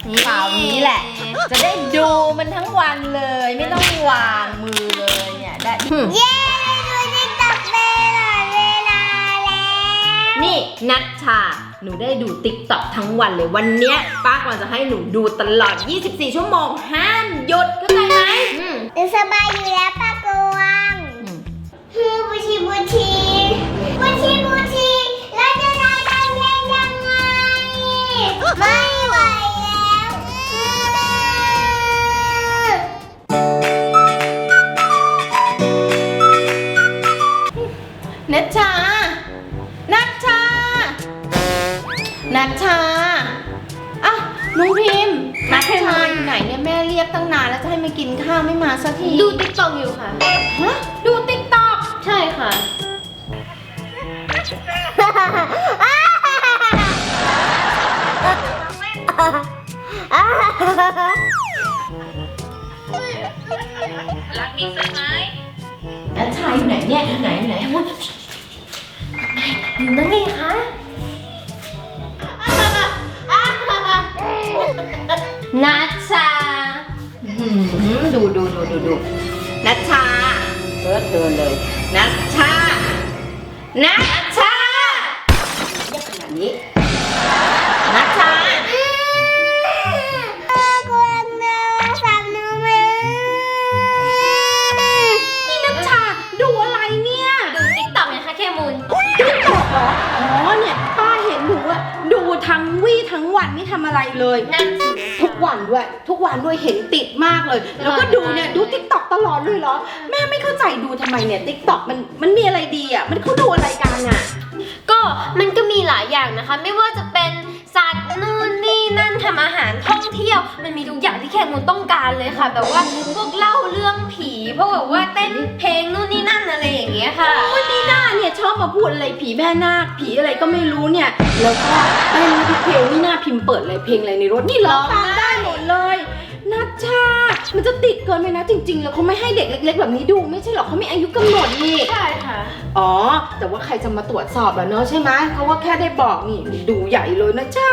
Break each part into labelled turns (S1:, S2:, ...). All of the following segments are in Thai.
S1: เปล่านี้แหละ จะได้ดูมันทั้งวันเลยไม่ต้องวางมือเลยเนี่ยได้
S2: เย้ดูติ๊กต็อกตลอดเวลาแล้ว
S1: นี่นัชชาหนูได้ดูติ๊กต็อกทั้งวันเลยวันเนี้ยป้ากวางจะให้หนูดูตลอด24ชั่วโมงห้ามหยุดเข้าใจไหม
S2: สบายอยู่แล้วป้ากวางบูชีแล้วจะได้กันยังไงไม่ไหว
S1: แล้วนัชชาอ่ะน้องพิมพ์นัชชาอยู่ไหนเนี่ยแม่เรียกตั้งนานแล้วจะให้มากินข้าวไม่มาสักที
S3: ดูติ๊กต็อกอยู่ค่ะ
S1: ฮะดูติ๊กต็อก
S3: ใช่ค่ะรักนี้ใช่ไหม
S1: นัชชาอยู่ไหนเนี่ยอยู่ไหนอยู่นั่นไงคะนัชชาดูนัชชาเดินเลยนัชชาเรียกขนาดนี้นัชชานี่นัชชาดูอะไรเนี่ย
S3: ดูติ๊กต็อกไงคะเคมูล
S1: ติ๊กต็อกเหรออ๋อเนี่ยป้าเห็นหนูอะดูทั้งวี่ทั้งวันไม่ทำอะไรเลย
S3: นั่น
S1: ทุกวันด้วยเห็นติดมากเลยแล้วก็ดูเนี่ยดูติ๊กต็อกตลอดเลยเหรอแม่ไม่เข้าใจดูทำไมเนี่ยติ๊กต็อกมันมีอะไรดีอ่ะมันเขาดูอะไรกันอ่ะ
S3: ก็มันก็มีหลายอย่างนะคะไม่ว่าจะเป็นสัตว์นู่นนี่นั่นทำอาหารท่องเที่ยวมันมีทุกอย่างที่แคมูลต้องการเลยค่ะแบบว่าพวกเล่าเรื่องผีพวกแบบว่าเต้นเพลงนู่นนี่นั่นอะไรอย่างเงี้ยค่ะ
S1: นี่น่าเนี่ยชอบมาพูดอะไรผีแม่นาคผีอะไรก็ไม่รู้เนี่ยแล้วก็เต้นทุกเพลงนี่น่าพิมพ์เปิดอะไรเพลงอะไรในรถนี่ร้องตามได้หมดเลยนัชชามันจะติดเกินไปนะจริงๆแล้วเขาไม่ให้เด็กเล็กๆแบบนี้ดูไม่ใช่หรอเขามีอายุกำหนดนี่
S3: ใช่ค่ะ
S1: อ๋อแต่ว่าใครจะมาตรวจสอบล่ะเนาะใช่ไหมเขาว่าแค่ได้บอกนี่ดูใหญ่เลยนะชา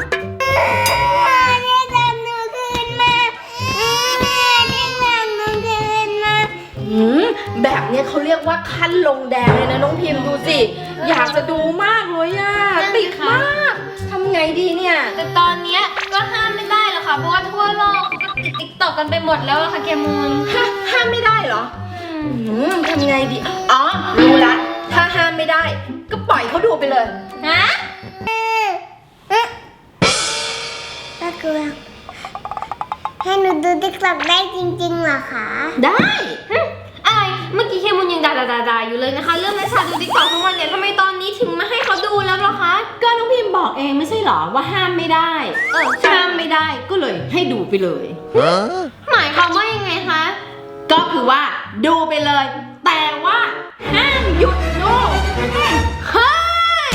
S1: แบบนี้เขาเรียกว่าขั้นลงแดงเลยนะน้องพิมพ์ดูสิอยากจะดูมากเลยอะติดมากทำไงดีเนี่ย
S3: แต่ตอนนี้ก็ห้ามไม่ได้หรอกค่ะเพราะว่าทั่วโลกเขาก็ติดติ๊กต็อกกันไปหมดแล้วอะค่ะเคมูล
S1: ห้ามไม่ได้เหรอทำไงดีอ๋อรู้ละถ้าห้ามไม่ได้ก็ปล่อยเขาดูไปเลย
S3: ฮะ
S2: ป้ากวางให้หนูดูติ๊กต็อกได้จริงๆเหรอคะ
S1: ได้
S3: อะไรเมื่อกี้เคมูลยังด่าอยู่เลยนะคะเรื่องนัชชาดูติ๊กต็อกทั้งวันเนี่ยทำไมตอนนี้ถึงมาให้เขาดูแล้วล่ะคะ
S1: ก็น้องพิมพ์บอกเองไม่ใช่หรอว่าห้ามไม่ได้ห้ามไม่ได้ก็เลยให้ดูไปเลย
S3: หมายความว่ายังไงคะ
S1: ก็คือว่าดูไปเลยแต่ว่าห้ามหยุดดู
S3: เฮ้ย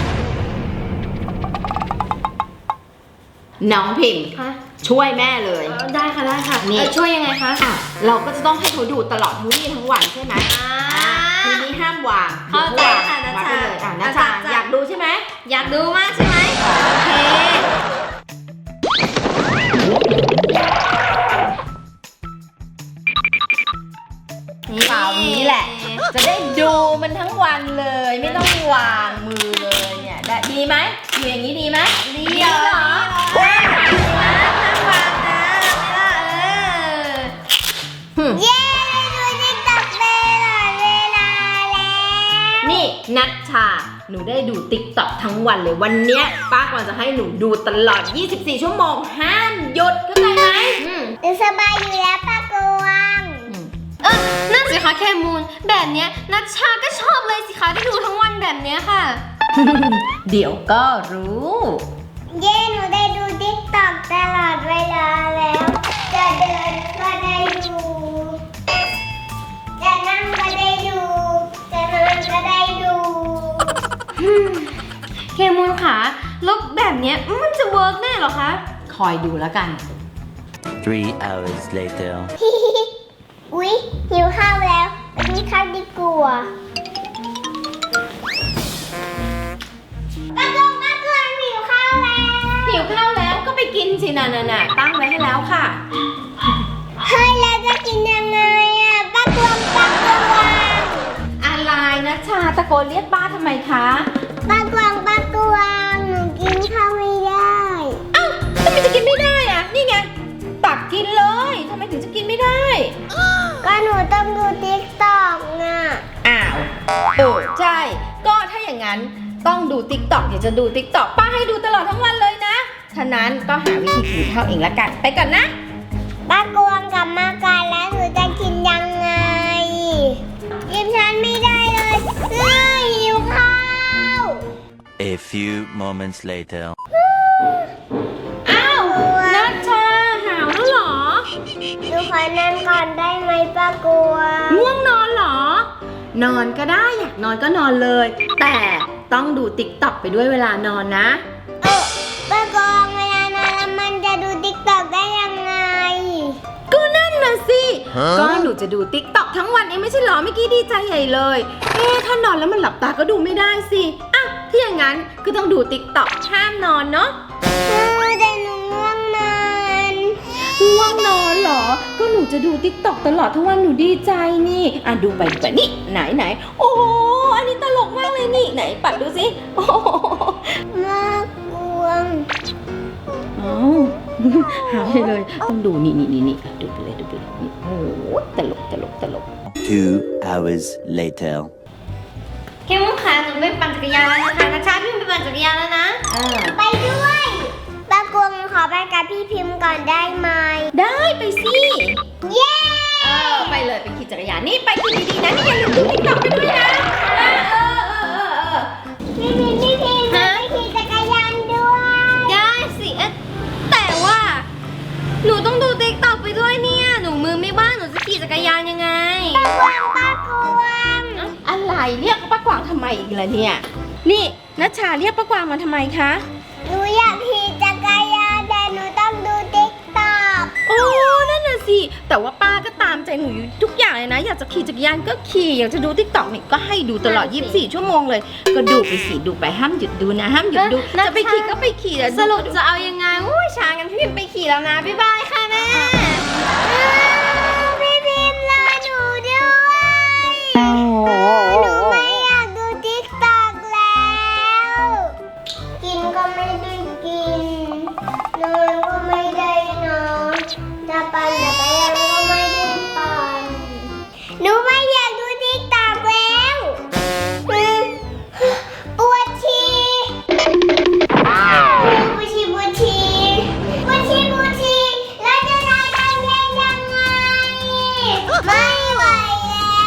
S1: น้องพิมพ์ช่วยแม่เลย
S3: ได้ค่ะนี่ช่วยยังไงคะ
S1: เราก็จะต้องให้เขาดูตลอดทั้งวี่ทั้งวันใช่ไหมทีนี้ห้ามวาง
S3: เข้าใจค่ะนัชชา
S1: นัชชาอยากดูใช่ไหม
S3: อยากดูมากใช่ไหมโอเค
S1: เปล่านี้แหละจะได้ดูมันทั้งวันเลยไม่ต้องวางมือเลยเนี่ยดีไหมอยู่อย่างนี้ดีไหม
S3: ดีเหรอ
S2: เย้ดูติ๊กต็อกตลอดเวลาแล้ว
S1: นี่นัชชาหนูได้ดูติ๊กต็อกทั้งวันเลยวันเนี้ยป้ากวางจะให้หนูดูตลอด24ชั่วโมงห้ามหยุดเข้าใจไหม
S2: สบายอยู่แล้วป้ากวาง
S3: นั่นสิคะแคมูลแบบเนี้ยนัชชาก็ชอบเลยสิคะที่ดูทั้งวันแบบเนี้ยค่ะ
S1: เดี๋ยวก็รู้
S2: เย้หนูได้ดูติ๊กต็อกตลอดเวลาแล้วจะเดินก็ได้ดูจะนั่งก็ได้ดูจะนอนก็ได้ดู
S3: เคมูลค่ะแล้วแบบเนี้ยมันจะเวิร์กแน่เหรอคะ
S1: คอยดูแล้วกัน
S4: 3 hours later
S2: อุ๊ยหิวข้าวแล้วกินข้าวดีกว่าป้ากวางหิวข้าวแล้ว
S1: หิวข้าวแล้วก็ไปกินสิน่ะตั้งไว้ให้แล้วค่ะ
S2: เฮ้ยแล้วจะกินยังไงอ่ะป้ากวาง
S1: อะไรนะชาตะโกนเรียกป้าทำไมคะ
S2: ป้ากวางหนูกินข้าวไม่ได้
S1: เอ้าทำไมจะกินไม่ได้อะนี่ไงตักกินเลยทำไมถึงจะกินไม่ได้
S2: ก็หนูต้องดูติ๊กต็อกน่ะ
S1: อ้าวใช่ก็ถ้าอย่างนั้นต้องดูติ๊กต็อกอยากจะดูติ๊กต็อกป้าให้ดูตลอดทั้งวันเลยนะฉะนั้นก็หาวิธีกินข้าวเองละกันไปก่อนนะ
S2: ป้ากวางกลับมากันแล้วหนูจะกินยังไงกินฉันไม่ได้เลยหิวข้าว
S4: A few moments later.
S1: อ้าวนัชชาหาวแล้วเหรอ
S2: หนูขอนอนก่อนได้ไหมป้ากวาง
S1: ง่วงนอนเหรอ นอนก็ได้อยากนอนก็นอนเลย แต่ต้องดูติ๊กต็อกไปด้วยเวลานอนนะ
S2: ป้ากวางเวลานอนแล้วมันจะดูติ๊กต็อกได้ยังไง
S1: ก็นั่นน่ะสิก็หนูจะดูติ๊กต็อกทั้งวันเองไม่ใช่เหรอเมื่อกี้ดีใจใหญ่เลยถ้านอนแล้วมันหลับตาก็ดูไม่ได้สิอ่ะถ้าอย่างนั้นก็ต้องดูติ๊กต็อกห้ามนอนเนาะ
S2: แต่หนูง่วงนอน
S1: ง่วงนอนเหรอก็หนูจะดูติ๊กต็อกตลอดทั้งวันหนูดีใจนี่อ่ะดูไปนี่ไหนโอ้โหอันนี้ตลกมากเลยนี่ไหนปัดดูสิโอ้โห
S2: มากวง
S1: อ้าวหายเลยต้องดูนี่ดูไปเลยนี่โอ้โหตลก
S4: 2 hours later.
S3: เคมุนขาหนูไปปั่นจักรยานแล้วนะคะนัชชาพี่ไปปั่นจักรยานแล้วนะ
S2: ไปด้วยป้ากวงขอไปกับพี่พิมพ์ก่อนได้ไหม
S1: ได้ไปสิ
S2: เย้
S1: ไปเลยไปขี่จักรยานนี่ไปขี่ดีๆนะนี่อย่าลืมดูติ๊กต็อกไปด้วยนะ
S2: พี่พิมพ์ไปขี่จักรยานด้วย
S3: ได้สิแต่ว่าหนูต้องดูติ๊กต็อกไปด้วยเนี่ยหนูมือไม่ว่างหนูจะขี่จักรยานยังไง
S2: ป้ากวง
S1: อะไรเรียกป้ากวางทำไมอีกล่ะเนี่ยนี่นัชชาเรียกป้ากวางมาทำไมคะ
S2: หนูอยากขี่จักรยานแต่หนูต้องดูติ๊กต็อก
S1: โอ้นั่นน่ะสิแต่ว่าป้าก็ตามใจหนูอยู่ทุกอย่างเลยนะอยากจะขี่จักรยานก็ขี่อยากจะดูติ๊กต็อกนี่ก็ให้ดูตลอด24 ชั่วโมงเลยก็ดูไปสิดูไปห้ามหยุดดูนะห้ามหยุดดูจะไปขี่ก็ไปขี่แต่
S3: สรุปจะเอายังไงอุ้ยช้ากันพี่พิมไปขี่แล้วนะบ๊ายบายค่ะแม่
S2: พี่พิมพ์รอหนูด้วยหนูไม่อยากดูติ๊กต็อกแล้วกินก็ไม่ได้กินนอนก็ไม่ได้นอนจะปั่นจักรยานก็ไม่ได้ปั่นหนูไม่อยากดูติ๊กต็อกแล้วปวดฉี่แล้วจะได้ทำยังไงไม่ไหวแล้ว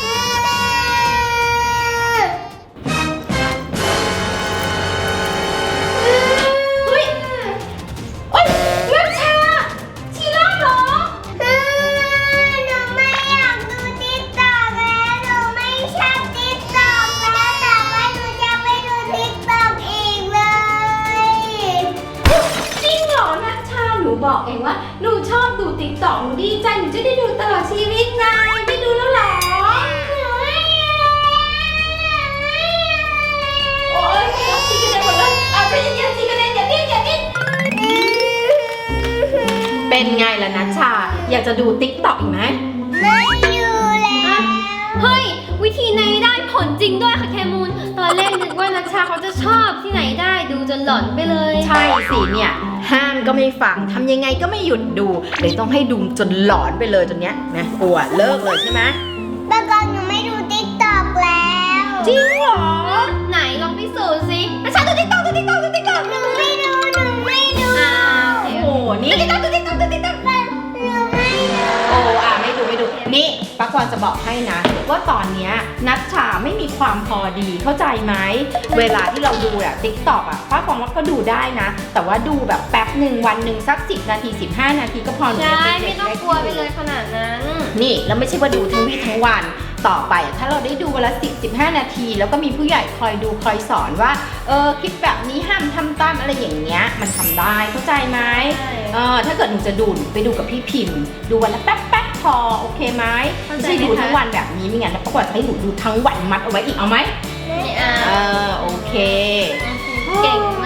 S1: เฮ้ยโอ๊ยนัชชาชีร่าเหรอ
S2: หนูไม่อยากดูติ๊กต็อกแล้วหนูไม่ชอบติ๊กต็อกแล้วแต่ว่าหนูจะไม่ดูติ๊กต็อกอีกเลย
S1: จริงเหรอนัชชาหนูบอกเองว่าหนูชอบดูติ๊กต็อกหนูดีใจหนูจะได้ดูตลอดชีวิตไงไม่ดูแล้วเหรอโอ๊ยชีกันได้หมดเลยเอาใจเย็นๆชีกันได้อย่าดิ้นเป็นไงล่ะนัชชาอยากจะดูติ๊กต็อกอีกไหม
S2: ไม่อยู่แล้ว
S3: เฮ้ยวิธีไหนได้ผลจริงด้วยค่ะแคมูนตอนแรกนึกว่านัชชาเขาจะชอบที่ไหนได้ดูจนหลอนไปเลย
S1: ใช่สิเนี่ยห้ามก็ไม่ฟังทำยังไงก็ไม่หยุดดูเลยต้องให้ดูจนหลอนไปเลยจนเนี้ยนะกลัวเลิกเลยใช่ไหม
S2: ปกติหนูไม่ดูติ๊กต็อกแล้ว
S1: จริงเหรอ
S3: ไหนลองพิสูจน์สินัชชาดูติ๊กต็อก
S2: หนูไม่ดู
S3: อ้าวโอเค
S1: โอ้โหนี่
S2: หนูไม่ดู
S1: ไม่ดูนี่ป้ากวางจะบอกให้นะว่าตอนเนี้ยนัชชาไม่มีความพอดีเข้าใจไหมเวลาที่เราดูอะติ๊กต็อกอะป้ากวางว่าก็ดูได้นะ แต่ว่าดูแบบแป๊บหนึ่งวันหนึ่งสัก10 นาที 15 นาทีก็พอหนู
S3: ใช่
S1: จะ
S3: ไม่ต้องกลัวไปเลยขนาดนั้น
S1: นี่แล้วไม่ใช่ว่าดูทั้งวี่ทั้งวันต่อไปอะถ้าเราได้ดูวันละ10-15 นาที แล้วก็มีผู้ใหญ่คอยดูคอยสอนว่าคลิปแบบนี้ห้ามทำตามอะไรอย่างเงี้ยมันทำได้เข้าใจไหม
S3: ใช่
S1: ถ้าเกิดหนูจะดูหนูไปดูกับพี่พิมพ์ดูวันละแป๊บพอโอเคไหมไม่ใช่ดูทั้งวันแบบนี้ไม่งั้นแล้วปรากฏให้หนูดูทั้งวันมัดเอาไว้อีกเอาไหม
S3: ไม่เอา
S1: โอเค
S3: เก่ง